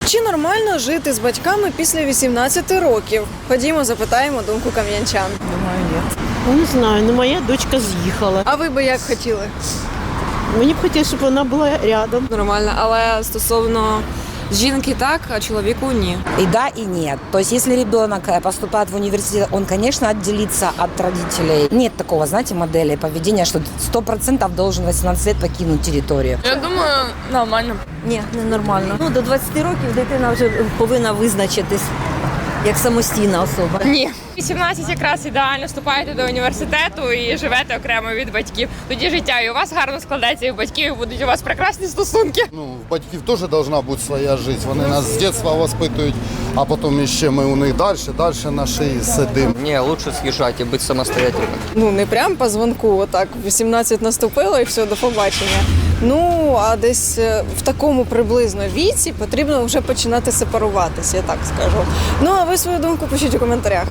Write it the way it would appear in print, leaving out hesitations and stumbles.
Чи нормально жити з батьками після 18 років? Ходімо, запитаємо думку кам'янчан. Думаю, нет. Ну, не знаю, ну моя дочка з'їхала. А ви би як хотіли? Мені б хотілося, щоб вона була рядом. Нормально, але стосовно жінки так, а чоловіку ні. И да, и нет. То есть, если ребенок поступает в университет, он, конечно, отделится от родителей. Нет такого, знаете, модели поведения, что 100% должен 18 лет покинуть территорию. Я думаю, нормально. Ні, не нормально. Ну, до 20 років дитина вже повинна визначитись як самостійна особа. Ні. 18 якраз ідеально, вступаєте до університету і живете окремо від батьків. Тоді життя і у вас гарно складеться, і у батьків будуть у вас прекрасні стосунки. Ну, в батьків теж должна бути своя життя. Вони нас з дитинства воспитують, а потім ще ми у них далі на шиї сидимо. Не, лучше съезжать и быть самостоятельным. Ну, не прям по дзвонку, отак, 18 наступило і все, до побачення. Ну, а десь в такому приблизно віці потрібно вже починати сепаруватися, я так скажу. Ну, а ви свою думку пишіть у коментарях.